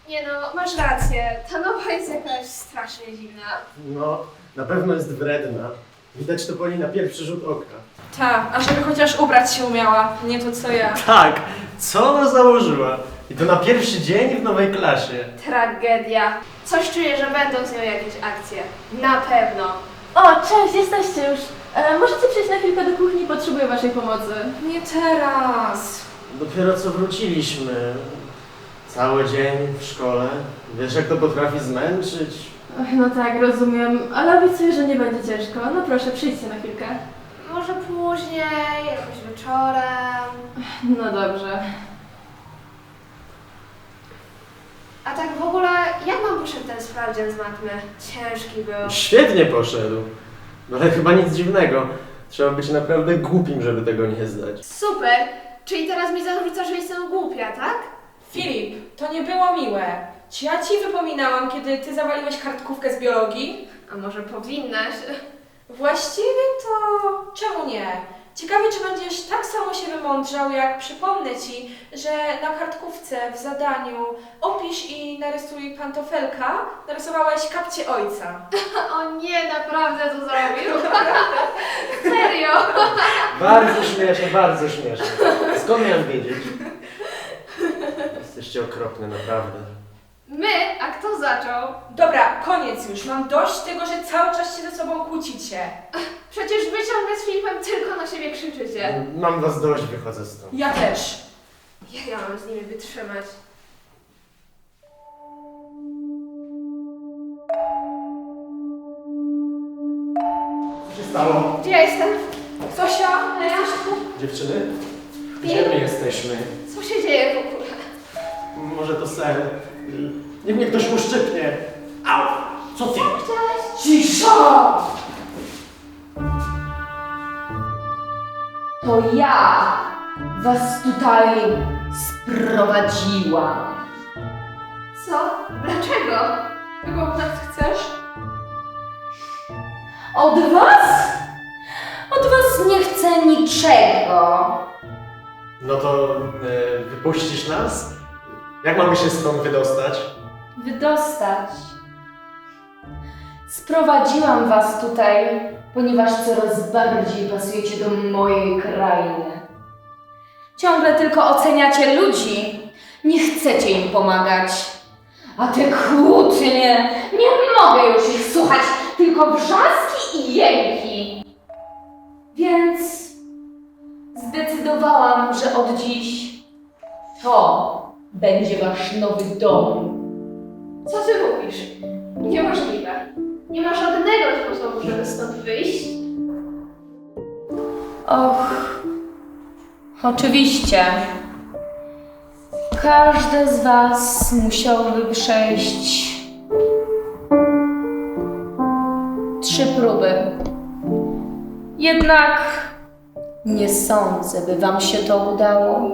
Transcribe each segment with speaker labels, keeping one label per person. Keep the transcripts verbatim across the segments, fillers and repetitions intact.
Speaker 1: Nie no, masz rację. Ta nowa jest jakaś strasznie dziwna.
Speaker 2: No, na pewno jest wredna. Widać to po niej na pierwszy rzut oka.
Speaker 3: Ta, a żeby chociaż ubrać się umiała, nie to co ja.
Speaker 2: Tak, co ona założyła? I to na pierwszy dzień w nowej klasie.
Speaker 1: Tragedia. Coś czuję, że będą z nią jakieś akcje. Na pewno.
Speaker 4: O, cześć, jesteście już. E, możecie przejść na chwilkę do kuchni, potrzebuję waszej pomocy.
Speaker 3: Nie teraz.
Speaker 2: Dopiero co wróciliśmy. Cały dzień w szkole. Wiesz, jak to potrafi zmęczyć?
Speaker 4: Ach, no tak, rozumiem, ale obiecuję, że nie będzie ciężko. No proszę, przyjdźcie na chwilkę.
Speaker 1: Może później, jakoś wieczorem.
Speaker 4: No dobrze.
Speaker 1: A tak w ogóle, jak wam poszedł ten sprawdzian z matmy? Ciężki był.
Speaker 2: Świetnie poszedł. No ale chyba nic dziwnego. Trzeba być naprawdę głupim, żeby tego nie zdać.
Speaker 1: Super! Czyli teraz mi zarzucasz, że jestem głupia, tak?
Speaker 3: Filip, to nie było miłe. Czy ja ci wypominałam, kiedy ty zawaliłeś kartkówkę z biologii?
Speaker 1: A może powinnaś?
Speaker 3: Właściwie to... czemu nie? Ciekawie, czy będziesz tak samo się wymądrzał, jak przypomnę ci, że na kartkówce w zadaniu opisz i narysuj pantofelka, narysowałeś kapcie ojca.
Speaker 1: O nie, naprawdę to zrobił? Serio?
Speaker 2: Bardzo śmieszne, bardzo śmieszne. Skąd miałem wiedzieć? Jesteście okropne, naprawdę.
Speaker 1: My? A kto zaczął?
Speaker 3: Dobra, koniec już. Mam dość tego, że cały czas się ze sobą kłócicie.
Speaker 1: Przecież wy ciągle z Filipem tylko na siebie krzyczycie.
Speaker 2: Mam was dość, wychodzę stąd.
Speaker 3: Ja też.
Speaker 1: Ja, ja mam z nimi wytrzymać.
Speaker 2: Co się stało?
Speaker 1: Gdzie ja jestem?
Speaker 3: Zosia,
Speaker 1: A ja?
Speaker 3: jesteś tu?
Speaker 2: Dziewczyny? Gdzie my jesteśmy?
Speaker 1: Co się dzieje w ogóle?
Speaker 2: Może to sen. Niech mnie ktoś uszczypnie. Au! Co ty?
Speaker 1: Chciałeś?
Speaker 4: Cisza! To ja was tutaj sprowadziłam.
Speaker 1: Co? Dlaczego?
Speaker 3: Czego od nas chcesz?
Speaker 4: Od was? Od was nie chcę niczego.
Speaker 2: No to e, wypuścisz nas? Jak mamy się stąd wydostać?
Speaker 4: Wydostać. Sprowadziłam was tutaj, ponieważ coraz bardziej pasujecie do mojej krainy. Ciągle tylko oceniacie ludzi, nie chcecie im pomagać. A te kłótnie, nie mogę już ich słuchać, tylko wrzaski i jęki. Więc zdecydowałam, że od dziś to będzie wasz nowy dom.
Speaker 1: Co ty mówisz? Niemożliwe. Nie ma żadnego sposobu, żeby stąd wyjść.
Speaker 4: Och, oczywiście. Każdy z was musiałby przejść trzy próby. Jednak nie sądzę, by wam się to udało,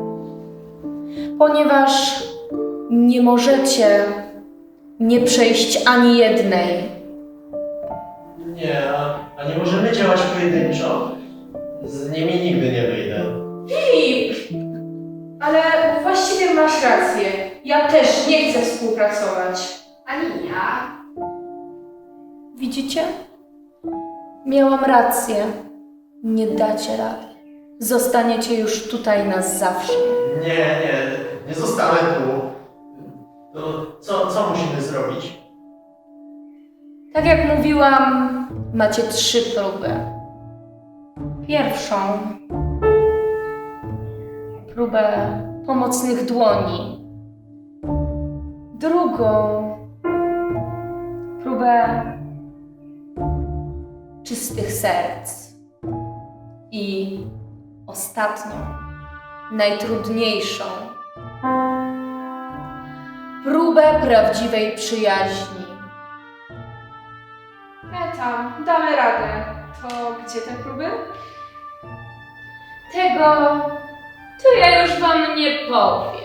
Speaker 4: ponieważ nie możecie nie przejść ani jednej.
Speaker 2: Nie, a, a nie możemy działać pojedynczo? Z nimi nigdy nie wyjdę.
Speaker 3: Filip! Ale właściwie masz rację. Ja też nie chcę współpracować.
Speaker 1: Ani ja.
Speaker 4: Widzicie? Miałam rację. Nie dacie rady. Zostaniecie już tutaj na zawsze.
Speaker 2: Nie, nie, nie zostanę tu. To co, co musimy zrobić?
Speaker 4: Tak jak mówiłam, macie trzy próby. Pierwszą próbę pomocnych dłoni. Drugą próbę czystych serc. I ostatnią, najtrudniejszą próbę prawdziwej przyjaźni.
Speaker 3: E tam, damy radę. To gdzie te próby?
Speaker 4: Tego to ja już wam nie powiem.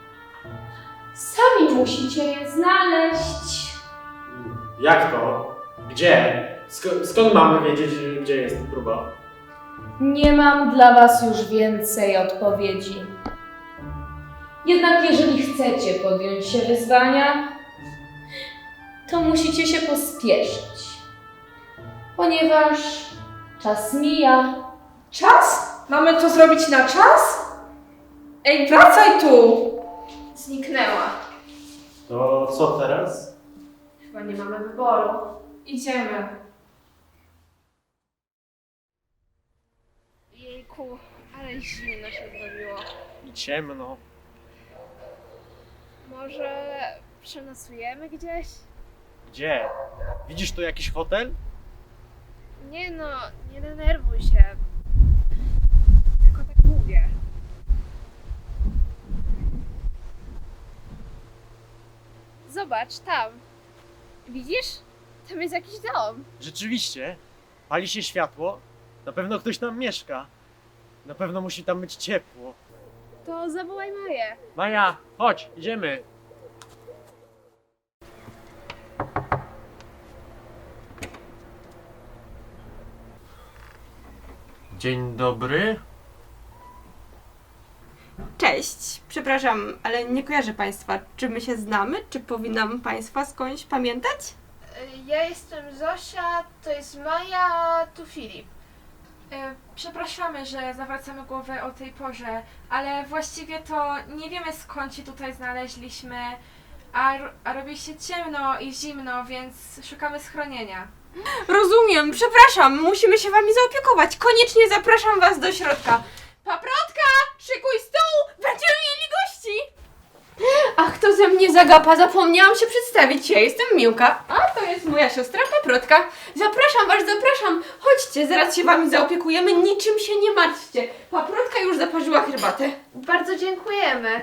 Speaker 4: Sami musicie je znaleźć.
Speaker 2: Jak to? Gdzie? Sk- skąd mamy wiedzieć, gdzie jest próba?
Speaker 4: Nie mam dla was już więcej odpowiedzi. Jednak jeżeli chcecie podjąć się wyzwania, to musicie się pospieszyć, ponieważ czas mija.
Speaker 3: Czas? Mamy to zrobić na czas? Ej, wracaj tu!
Speaker 1: Zniknęła.
Speaker 2: To co teraz?
Speaker 1: Chyba nie mamy wyboru.
Speaker 3: Idziemy.
Speaker 1: Jejku, ale zimno się zrobiło.
Speaker 2: I ciemno.
Speaker 1: Może przenocujemy gdzieś?
Speaker 2: Gdzie? Widzisz tu jakiś hotel?
Speaker 1: Nie no, nie denerwuj się. Tylko tak mówię. Zobacz, tam. Widzisz? Tam jest jakiś dom.
Speaker 2: Rzeczywiście. Pali się światło. Na pewno ktoś tam mieszka. Na pewno musi tam być ciepło.
Speaker 1: To zawołaj Maję.
Speaker 2: Maja, chodź, idziemy. Dzień dobry.
Speaker 5: Cześć, przepraszam, ale nie kojarzę Państwa. Czy my się znamy? Czy powinnam Państwa skądś pamiętać?
Speaker 1: Ja jestem Zosia, to jest Maja, a tu Filip.
Speaker 3: E, Przepraszamy, że zawracamy głowę o tej porze, ale właściwie to nie wiemy skąd się tutaj znaleźliśmy, a, ro- a robi się ciemno i zimno, więc szukamy schronienia.
Speaker 5: Rozumiem, przepraszam, musimy się Wami zaopiekować. Koniecznie zapraszam Was do środka. Paprotka, szykuj stół, będziemy mieli gości! Ach, to ze mnie zagapa, zapomniałam się przedstawić. Ja jestem Miłka, a to jest moja siostra Paprotka. Zapraszam Was, zapraszam. Chodźcie, zaraz się Wami zaopiekujemy, niczym się nie martwcie. Paprotka już zaparzyła herbatę.
Speaker 1: Bardzo dziękujemy.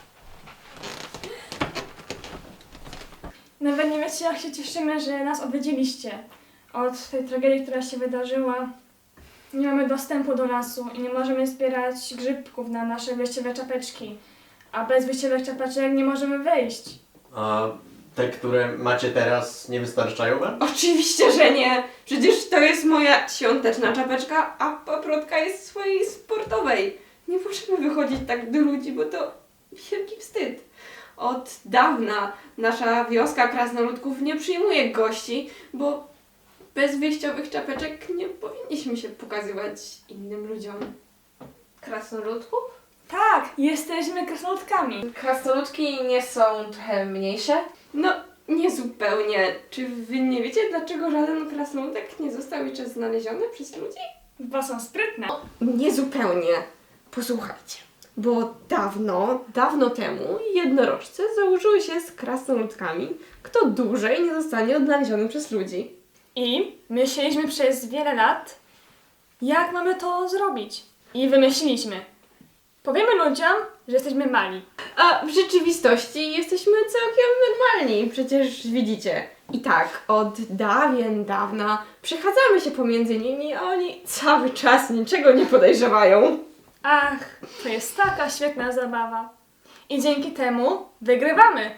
Speaker 6: Nawet nie wiecie, jak się cieszymy, że nas odwiedziliście. Od tej tragedii, która się wydarzyła, nie mamy dostępu do lasu i nie możemy zbierać grzybków na nasze wyjściowe czapeczki. A bez wyjściowych czapeczek nie możemy wyjść.
Speaker 2: A te, które macie teraz, nie wystarczają wam?
Speaker 5: Oczywiście, że nie. Przecież to jest moja świąteczna czapeczka, a paprotka jest swojej sportowej. Nie możemy wychodzić tak do ludzi, bo to wielki wstyd. Od dawna nasza wioska krasnoludków nie przyjmuje gości, bo bez wyjściowych czapeczek nie powinniśmy się pokazywać innym ludziom.
Speaker 1: Krasnoludków?
Speaker 6: Tak, jesteśmy krasnoludkami.
Speaker 3: Krasnoludki nie są trochę mniejsze?
Speaker 5: No, nie zupełnie. Czy wy nie wiecie, dlaczego żaden krasnoludek nie został jeszcze znaleziony przez ludzi?
Speaker 6: Chyba są sprytne.
Speaker 5: Nie zupełnie. Posłuchajcie, bo dawno, dawno temu jednorożce założyły się z krasnoludkami, kto dłużej nie zostanie odnaleziony przez ludzi.
Speaker 6: I myśleliśmy przez wiele lat, jak mamy to zrobić. I wymyśliliśmy. Powiemy ludziom, że jesteśmy mali.
Speaker 5: A w rzeczywistości jesteśmy całkiem normalni, przecież widzicie. I tak, od dawien dawna przechadzamy się pomiędzy nimi, a oni cały czas niczego nie podejrzewają.
Speaker 6: Ach, to jest taka świetna zabawa. I dzięki temu wygrywamy.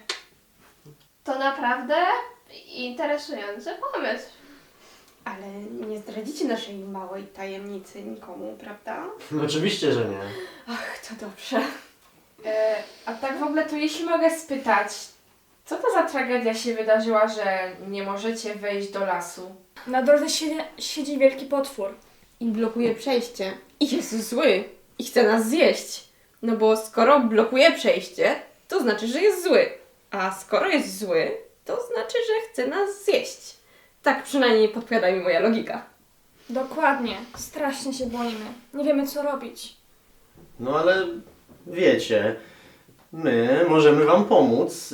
Speaker 1: To naprawdę interesujący pomysł.
Speaker 5: Ale nie zdradzicie naszej małej tajemnicy nikomu, prawda?
Speaker 2: No oczywiście, że nie.
Speaker 5: Ach, to dobrze.
Speaker 3: E, a tak w ogóle to jeśli mogę spytać, co to za tragedia się wydarzyła, że nie możecie wejść do lasu?
Speaker 6: Na drodze siedzi, siedzi wielki potwór.
Speaker 5: I blokuje przejście. I jest zły. I chce nas zjeść. No bo skoro blokuje przejście, to znaczy, że jest zły. A skoro jest zły, to znaczy, że chce nas zjeść. Tak przynajmniej podpowiada mi moja logika.
Speaker 6: Dokładnie. Strasznie się boimy. Nie wiemy, co robić.
Speaker 2: No ale wiecie, my możemy wam pomóc. Yy,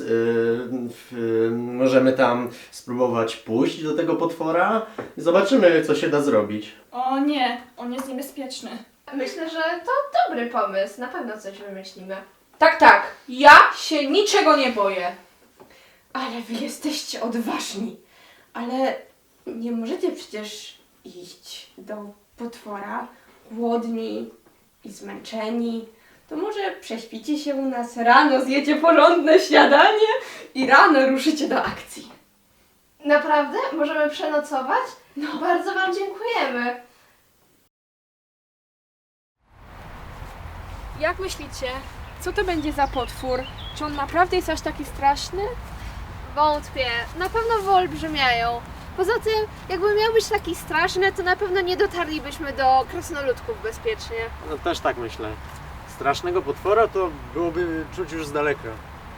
Speaker 2: w- możemy tam spróbować pójść do tego potwora i zobaczymy, co się da zrobić.
Speaker 6: O nie, on jest niebezpieczny.
Speaker 1: Myślę, że to dobry pomysł. Na pewno coś wymyślimy.
Speaker 3: Tak, tak, ja się niczego nie boję.
Speaker 5: Ale wy jesteście odważni. Ale nie możecie przecież iść do potwora głodni i zmęczeni. To może prześpicie się u nas rano, zjecie porządne śniadanie i rano ruszycie do akcji.
Speaker 1: Naprawdę? Możemy przenocować? No. Bardzo Wam dziękujemy.
Speaker 6: Jak myślicie,
Speaker 5: co to będzie za potwór? Czy on naprawdę jest aż taki straszny?
Speaker 1: Wątpię. Na pewno wyolbrzymiają. Poza tym, jakby miał być taki straszny, to na pewno nie dotarlibyśmy do krasnoludków bezpiecznie.
Speaker 2: No też tak myślę. Strasznego potwora to byłoby czuć już z daleka.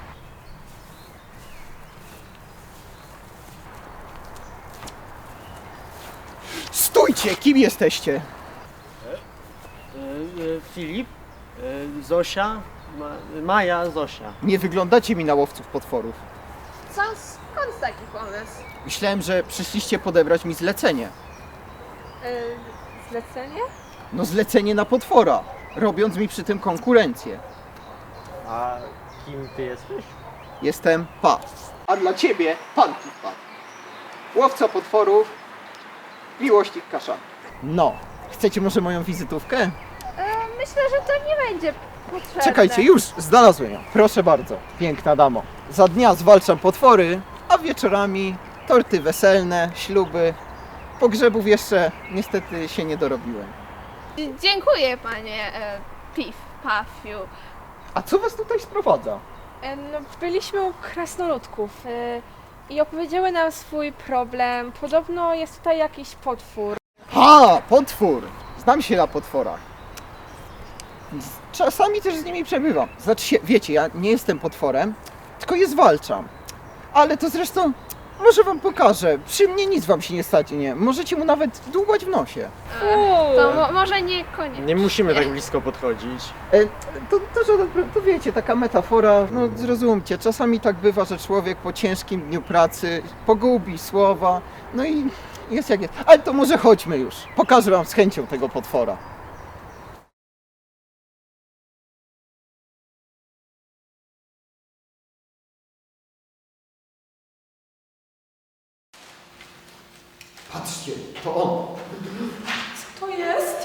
Speaker 7: Stójcie! Kim jesteście?
Speaker 2: E, Filip, e, Zosia, Ma, Maja, Zosia.
Speaker 7: Nie wyglądacie mi na łowców potworów.
Speaker 1: Co? Skąd taki pomysł?
Speaker 7: Myślałem, że przyszliście podebrać mi zlecenie.
Speaker 5: Yy, zlecenie?
Speaker 7: No zlecenie na potwora, robiąc mi przy tym konkurencję.
Speaker 2: A kim ty jesteś?
Speaker 7: Jestem Pa. A dla ciebie pan Pa. Łowca potworów, miłośnik kasza. No, chcecie może moją wizytówkę?
Speaker 1: E, myślę, że to nie będzie potrzebne.
Speaker 7: Czekajcie, już znalazłem ją. Proszę bardzo, piękna damo. Za dnia zwalczam potwory, a wieczorami torty weselne, śluby. Pogrzebów jeszcze niestety się nie dorobiłem.
Speaker 1: Dziękuję, panie e, Pif, Pafiu.
Speaker 7: A co was tutaj sprowadza?
Speaker 5: E, no, byliśmy u krasnoludków e, i opowiedziały nam swój problem. Podobno jest tutaj jakiś potwór.
Speaker 7: Ha, potwór! Znam się na potworach. Czasami też z nimi przebywam. Znaczy się, wiecie, ja nie jestem potworem, tylko je zwalczam. Ale to zresztą, może wam pokażę. Przy mnie nic wam się nie stanie. Możecie mu nawet dłubać w nosie.
Speaker 5: Uuu.
Speaker 1: To mo- może niekoniecznie.
Speaker 2: Nie musimy tak blisko podchodzić.
Speaker 7: E, to, to żaden problem, to wiecie, taka metafora, no zrozumcie, czasami tak bywa, że człowiek po ciężkim dniu pracy pogubi słowa, no i jest jak jest. Ale to może chodźmy już, pokażę wam z chęcią tego potwora. Patrzcie, to on.
Speaker 3: Co to jest?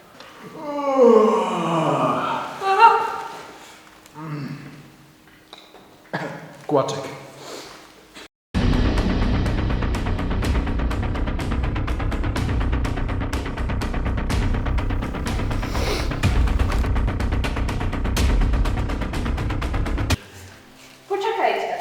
Speaker 8: Kłaczek.
Speaker 1: Poczekajcie.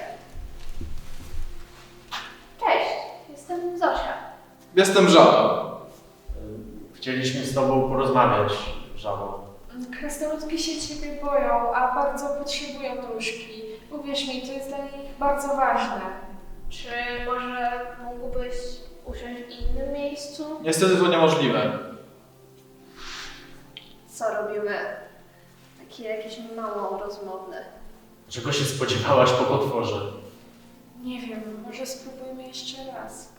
Speaker 1: Cześć, jestem Zosia.
Speaker 8: Jestem Żaba.
Speaker 2: Chcieliśmy z tobą porozmawiać, Żabo.
Speaker 4: Krasnoludki się ciebie boją, a bardzo potrzebują nóżki. Uwierz mi, to jest dla nich bardzo ważne.
Speaker 1: Czy może mógłbyś usiąść w innym miejscu?
Speaker 8: Niestety to niemożliwe.
Speaker 1: Co robimy? Takie jakieś mało rozmowne.
Speaker 2: Czego się spodziewałaś po potworze?
Speaker 4: Nie wiem, może spróbujmy jeszcze raz.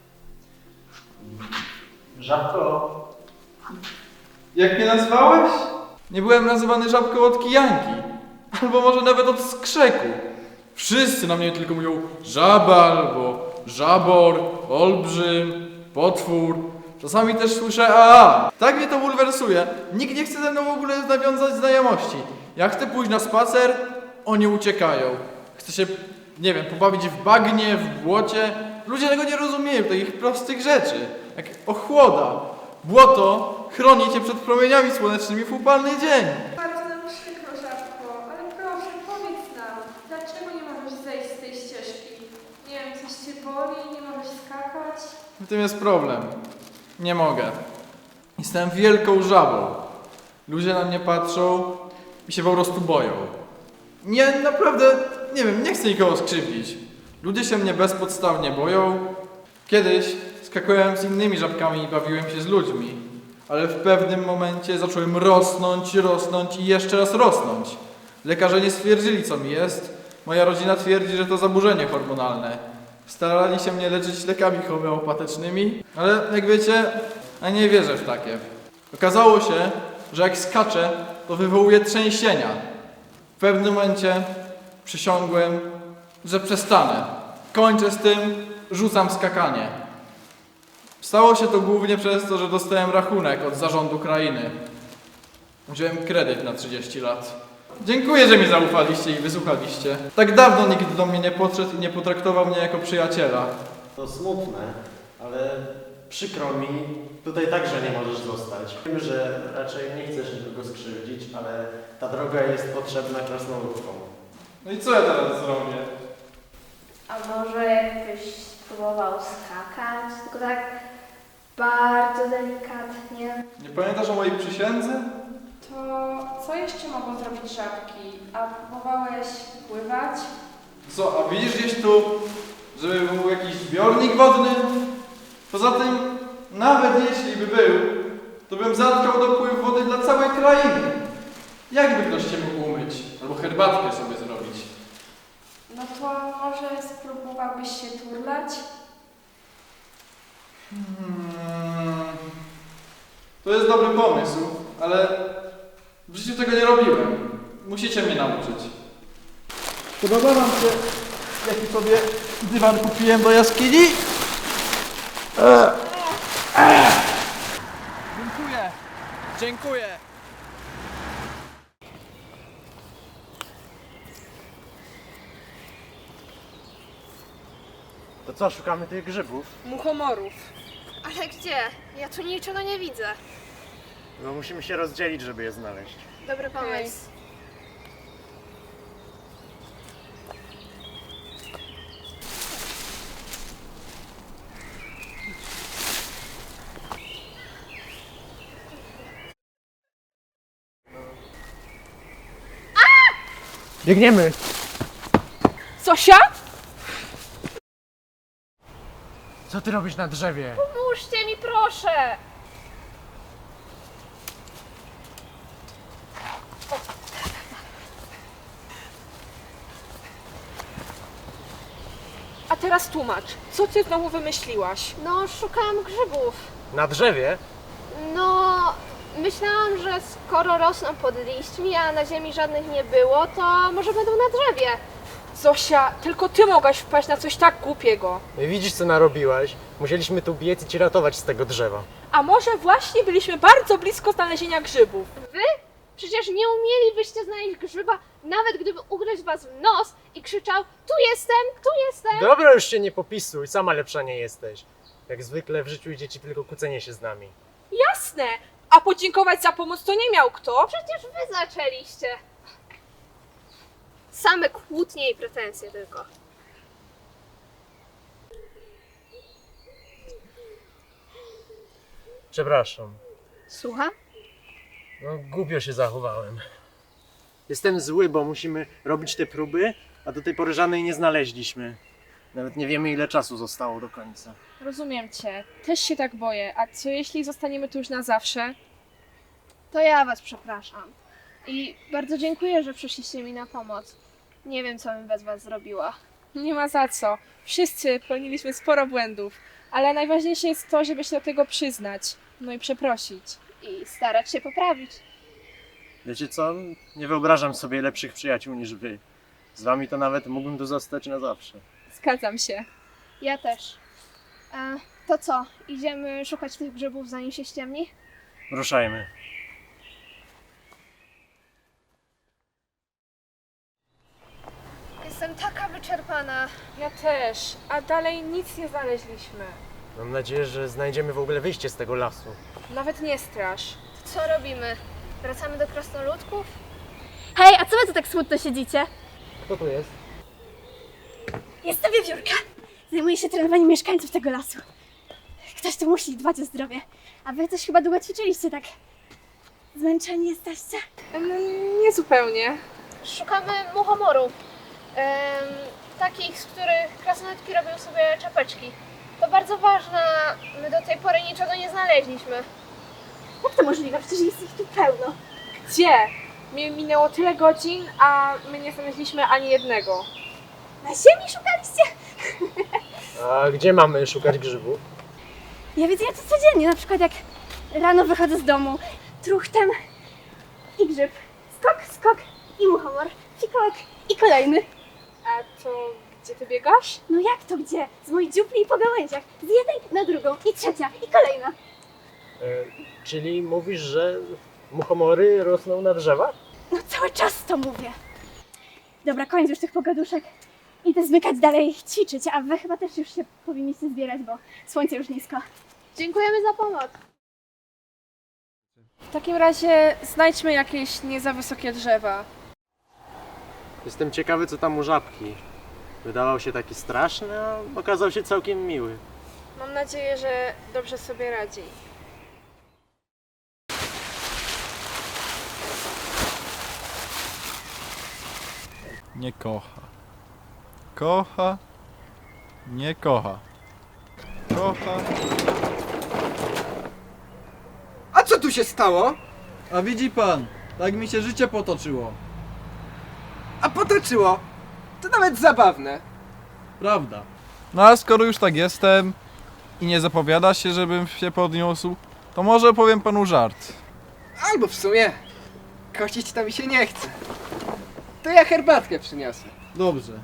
Speaker 2: Żabko,
Speaker 8: Jak mnie nazwałeś? Nie byłem nazywany żabką od kijanki. Albo może nawet od skrzeku. Wszyscy na mnie tylko mówią żaba albo żabor, olbrzym, potwór. Czasami też słyszę a. Tak mnie to bulwersuje. Nikt nie chce ze mną w ogóle nawiązać znajomości. Jak chcę pójść na spacer, oni uciekają. Chcę się, nie wiem, pobawić w bagnie, w błocie. Ludzie tego nie rozumieją, takich prostych rzeczy. Jak ochłoda. Błoto chroni cię przed promieniami słonecznymi w upalny dzień.
Speaker 3: Bardzo nam przykro, Żabko, ale proszę, powiedz nam, dlaczego nie możesz zejść z tej ścieżki? Nie wiem, coś cię boli, nie możesz skakać?
Speaker 8: W tym jest problem. Nie mogę. Jestem wielką żabą. Ludzie na mnie patrzą i się po prostu boją. Nie, naprawdę, nie wiem, nie chcę nikogo skrzywdzić. Ludzie się mnie bezpodstawnie boją. Kiedyś skakałem z innymi żabkami i bawiłem się z ludźmi. Ale w pewnym momencie zacząłem rosnąć, rosnąć i jeszcze raz rosnąć. Lekarze nie stwierdzili, co mi jest. Moja rodzina twierdzi, że to zaburzenie hormonalne. Starali się mnie leczyć lekami homeopatycznymi, ale jak wiecie, ja nie wierzę w takie. Okazało się, że jak skaczę, to wywołuje trzęsienia. W pewnym momencie przysiągłem, że przestanę. Kończę z tym, rzucam skakanie. Stało się to głównie przez to, że dostałem rachunek od zarządu krainy. Wziąłem kredyt na trzydzieści lat. Dziękuję, że mi zaufaliście i wysłuchaliście. Tak dawno nikt do mnie nie podszedł i nie potraktował mnie jako przyjaciela.
Speaker 2: to smutne, ale przykro mi, tutaj także nie możesz zostać. Wiem, że raczej nie chcesz nikogo skrzywdzić, ale ta droga jest potrzebna krasnoludkom.
Speaker 8: No i co ja teraz zrobię?
Speaker 1: A może jakbyś spróbował skakać, tylko tak bardzo delikatnie.
Speaker 8: Nie pamiętasz o mojej przysiędze?
Speaker 3: To co jeszcze mogą zrobić żabki? A próbowałeś pływać?
Speaker 8: Co, a widzisz gdzieś tu, żeby był jakiś zbiornik wodny? Poza tym, nawet jeśli by był, to bym zatkał dopływ wody dla całej krainy. Jak by ktoś cię mógł umyć? Albo herbatkę sobie zrobić?
Speaker 3: No to może spróbowałbyś się turlać?
Speaker 8: Hmm. To jest dobry pomysł, ale w życiu tego nie robiłem. Musicie mnie nauczyć. Podoba wam się, jaki sobie dywan kupiłem do jaskini? Dziękuję. Dziękuję.
Speaker 2: To co, szukamy tych grzybów?
Speaker 5: Muchomorów.
Speaker 1: Ale gdzie? Ja tu niczego nie widzę.
Speaker 2: No musimy się rozdzielić, żeby je znaleźć.
Speaker 1: Dobry pomysł.
Speaker 2: Biegniemy!
Speaker 5: Zosia?
Speaker 2: Co ty robisz na drzewie?
Speaker 1: Pomóżcie mi, proszę!
Speaker 5: A teraz tłumacz, co ty znowu wymyśliłaś?
Speaker 1: No, szukałam grzybów.
Speaker 2: Na drzewie?
Speaker 1: No, myślałam, że skoro rosną pod liśćmi, a na ziemi żadnych nie było, to może będą na drzewie.
Speaker 5: Zosia, tylko ty mogłaś wpaść na coś tak głupiego.
Speaker 2: Widzisz, co narobiłaś? Musieliśmy tu biec i cię ratować z tego drzewa.
Speaker 5: A może właśnie byliśmy bardzo blisko znalezienia grzybów?
Speaker 1: Wy? Przecież nie umielibyście znaleźć grzyba, nawet gdyby ugryźć was w nos i krzyczał: tu jestem, tu jestem!
Speaker 2: Dobra, już się nie popisuj, sama lepsza nie jesteś. Jak zwykle w życiu idzie ci tylko kłócenie się z nami.
Speaker 5: Jasne! A podziękować za pomoc to nie miał kto?
Speaker 1: Przecież wy zaczęliście. Same kłótnie i pretensje tylko.
Speaker 2: Przepraszam.
Speaker 1: Słucham?
Speaker 2: No, głupio się zachowałem. Jestem zły, bo musimy robić te próby, a do tej pory żadnej nie znaleźliśmy. Nawet nie wiemy, ile czasu zostało do końca.
Speaker 5: Rozumiem cię. Też się tak boję. A co jeśli zostaniemy tu już na zawsze?
Speaker 1: To ja was przepraszam. I bardzo dziękuję, że przyszliście mi na pomoc. Nie wiem, co bym bez was zrobiła.
Speaker 5: Nie ma za co. Wszyscy popełniliśmy sporo błędów. Ale najważniejsze jest to, żeby się do tego przyznać. No i przeprosić.
Speaker 1: I starać się poprawić.
Speaker 2: Wiecie co? Nie wyobrażam sobie lepszych przyjaciół niż wy. Z wami to nawet mógłbym tu zostać na zawsze.
Speaker 5: Zgadzam się.
Speaker 1: Ja też. E, to co? Idziemy szukać tych grzybów, zanim się ściemni?
Speaker 2: Ruszajmy.
Speaker 1: Jestem taka wyczerpana.
Speaker 5: Ja też. A dalej nic nie znaleźliśmy.
Speaker 2: Mam nadzieję, że znajdziemy w ogóle wyjście z tego lasu.
Speaker 5: Nawet nie strasz.
Speaker 1: Co robimy? Wracamy do krasnoludków?
Speaker 9: Hej, a co wy tu tak smutno siedzicie?
Speaker 2: Kto tu jest?
Speaker 9: Jestem Wiewiórka. Zajmuję się trenowaniem mieszkańców tego lasu. Ktoś tu musi dbać o zdrowie. A wy też chyba długo ćwiczyliście, tak? Zmęczeni jesteście?
Speaker 5: No, nie zupełnie.
Speaker 1: Szukamy muchomorów. Em, takich, z których krasnoludki robią sobie czapeczki. To bardzo ważne. My do tej pory niczego nie znaleźliśmy.
Speaker 9: Jak to możliwe? Przecież jest ich tu pełno.
Speaker 5: Gdzie? Mi- Minęło tyle godzin, a my nie znaleźliśmy ani jednego.
Speaker 9: Na ziemi szukaliście?
Speaker 2: A gdzie mamy szukać grzybów?
Speaker 9: Ja widzę ja to codziennie, na przykład jak rano wychodzę z domu, truchtem i grzyb. Skok, skok i muchomor. Fikołek i kolejny.
Speaker 5: A to gdzie ty biegasz?
Speaker 9: No jak to gdzie? Z moich dziupli po gałęziach. Z jednej na drugą i trzecia i kolejna.
Speaker 2: E, czyli mówisz, że muchomory rosną na drzewach?
Speaker 9: No cały czas to mówię. Dobra, koniec już tych pogaduszek. Idę zmykać dalej, ćwiczyć, a wy chyba też już się powinniście zbierać, bo słońce już nisko.
Speaker 1: Dziękujemy za pomoc.
Speaker 5: W takim razie znajdźmy jakieś nie za wysokie drzewa.
Speaker 2: Jestem ciekawy, co tam u żabki. Wydawał się taki straszny, a okazał się całkiem miły.
Speaker 5: Mam nadzieję, że dobrze sobie radzi.
Speaker 8: Nie kocha. Kocha. Nie kocha. Kocha.
Speaker 10: A co tu się stało?
Speaker 8: A widzi pan, tak mi się życie potoczyło.
Speaker 10: A potoczyło. To nawet zabawne.
Speaker 8: Prawda. No a skoro już tak jestem i nie zapowiada się, żebym się podniósł, to może opowiem panu żart.
Speaker 10: Albo w sumie kościć to mi się nie chce. To ja herbatkę przyniosę.
Speaker 8: Dobrze.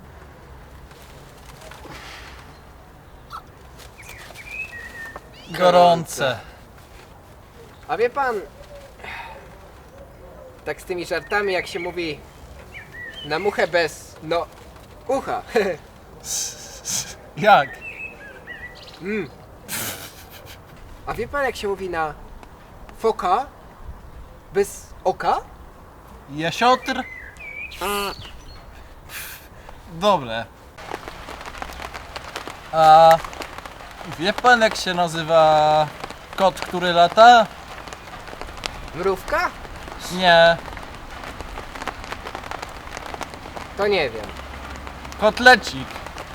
Speaker 8: Gorące.
Speaker 10: A wie pan, tak z tymi żartami jak się mówi na muchę bez, no, ucha.
Speaker 8: Jak?
Speaker 10: Mm. A wie pan jak się mówi na foka bez oka?
Speaker 8: Jasiotr? Dobre. A wie pan jak się nazywa kot, który lata?
Speaker 10: Mrówka?
Speaker 8: Nie,
Speaker 10: To nie wiem.
Speaker 8: kotlecik.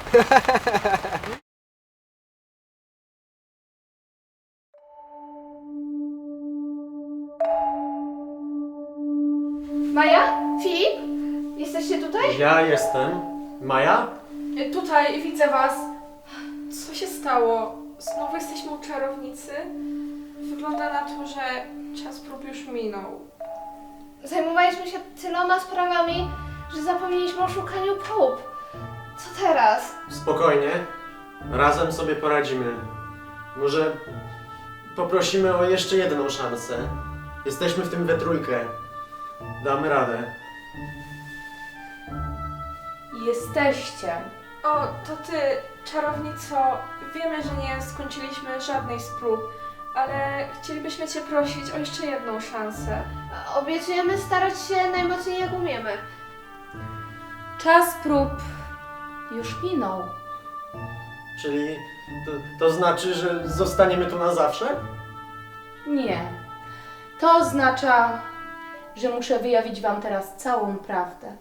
Speaker 1: Maja? Filip? Jesteście tutaj?
Speaker 2: Ja jestem. Maja?
Speaker 3: Tutaj widzę was. Co się stało? Znowu jesteśmy u czarownicy? Wygląda na to, że czas prób już minął.
Speaker 1: Zajmowaliśmy się tyloma sprawami, że zapomnieliśmy o szukaniu prób. Co teraz?
Speaker 2: Spokojnie. Razem sobie poradzimy. Może poprosimy o jeszcze jedną szansę. Jesteśmy w tym we trójkę. Damy radę.
Speaker 4: Jesteście.
Speaker 3: O, to ty, czarownico. Wiemy, że nie skończyliśmy żadnej z prób, ale chcielibyśmy cię prosić o jeszcze jedną szansę.
Speaker 1: Obiecujemy starać się najmocniej jak umiemy.
Speaker 4: Czas prób już minął.
Speaker 2: Czyli to, to znaczy, że zostaniemy tu na zawsze?
Speaker 4: Nie. To oznacza, że muszę wyjawić wam teraz całą prawdę.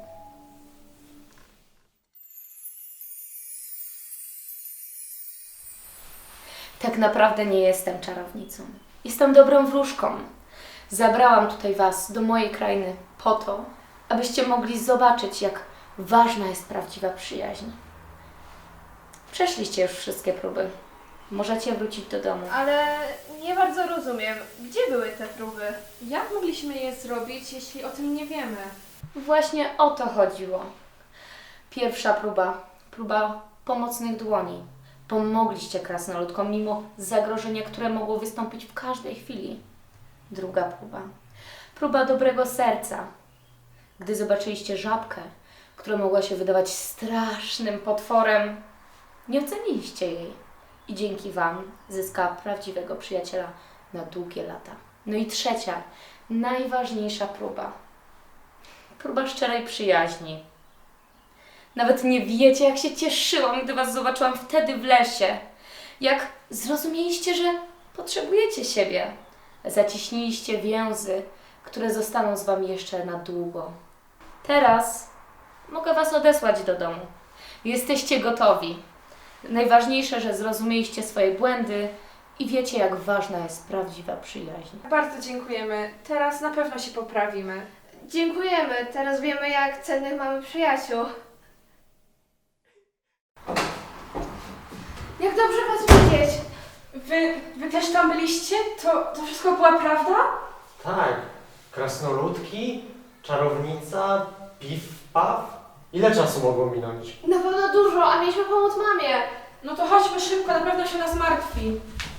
Speaker 4: Tak naprawdę nie jestem czarownicą. Jestem dobrą wróżką. Zabrałam tutaj was do mojej krainy po to, abyście mogli zobaczyć, jak ważna jest prawdziwa przyjaźń. Przeszliście już wszystkie próby. Możecie wrócić do domu.
Speaker 1: Ale nie bardzo rozumiem, gdzie były te próby?
Speaker 3: Jak mogliśmy je zrobić, jeśli o tym nie wiemy?
Speaker 4: Właśnie o to chodziło. Pierwsza próba. Próba pomocnych dłoni. Pomogliście krasnoludkom mimo zagrożenia, które mogło wystąpić w każdej chwili. Druga próba. Próba dobrego serca. Gdy zobaczyliście żabkę, która mogła się wydawać strasznym potworem, nie oceniliście jej. I dzięki wam zyskała prawdziwego przyjaciela na długie lata. No i trzecia, najważniejsza próba. Próba szczerej przyjaźni. Nawet nie wiecie, jak się cieszyłam, gdy was zobaczyłam wtedy w lesie. Jak zrozumieliście, że potrzebujecie siebie. Zaciśniliście więzy, które zostaną z wami jeszcze na długo. Teraz mogę was odesłać do domu. Jesteście gotowi. Najważniejsze, że zrozumieliście swoje błędy i wiecie, jak ważna jest prawdziwa przyjaźń.
Speaker 3: Bardzo dziękujemy. Teraz na pewno się poprawimy.
Speaker 1: Dziękujemy, teraz wiemy, jak cennych mamy przyjaciół. Jak dobrze was widzieć!
Speaker 3: Wy, wy też tam byliście? To, to wszystko była prawda?
Speaker 2: Tak. Krasnoludki, czarownica, piw, paw. Ile czasu mogło minąć?
Speaker 1: Na pewno dużo, a mieliśmy pomóc mamie.
Speaker 3: No to chodźmy szybko, na pewno się nas martwi.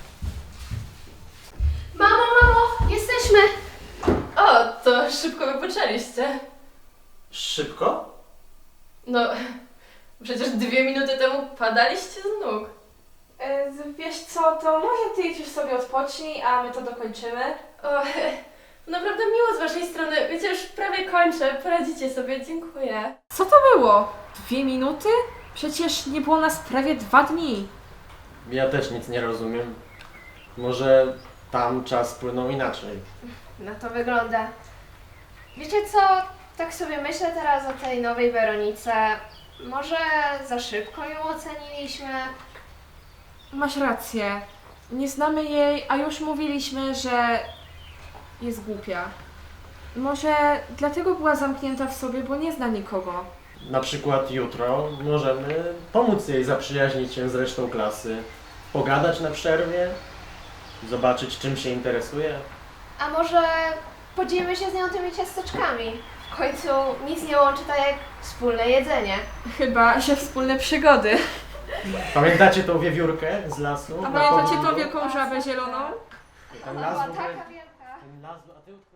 Speaker 1: Mamo, mamo, jesteśmy!
Speaker 4: O, to szybko wypoczęliście.
Speaker 2: Szybko?
Speaker 4: No, przecież dwie minuty temu padaliście z nóg.
Speaker 3: E, Wiesz co, to może ty idź już sobie odpocznij, a my to dokończymy.
Speaker 5: O, naprawdę miło z waszej strony. Wiecie, już prawie kończę. Poradzicie sobie, dziękuję.
Speaker 3: Co to było? Dwie minuty? Przecież nie było nas prawie dwa dni.
Speaker 2: Ja też nic nie rozumiem. Może tam czas płynął inaczej.
Speaker 1: Na to wygląda. Wiecie co? Tak sobie myślę teraz o tej nowej Weronice. Może za szybko ją oceniliśmy?
Speaker 3: Masz rację. Nie znamy jej, a już mówiliśmy, że jest głupia. Może dlatego była zamknięta w sobie, bo nie zna nikogo.
Speaker 2: Na przykład jutro możemy pomóc jej zaprzyjaźnić się z resztą klasy, pogadać na przerwie, zobaczyć czym się interesuje.
Speaker 1: A może podzielimy się z nią tymi ciasteczkami? W końcu nic nie łączy tak jak wspólne jedzenie.
Speaker 3: Chyba, że wspólne przygody.
Speaker 2: Pamiętacie tą wiewiórkę z lasu?
Speaker 3: A
Speaker 2: Na
Speaker 3: pamiętacie
Speaker 2: południu?
Speaker 3: tą wielką żabę zieloną?
Speaker 2: Ten
Speaker 1: Ona
Speaker 2: las
Speaker 1: była
Speaker 2: w ogóle-
Speaker 1: taka wielka.
Speaker 2: ten las, a ty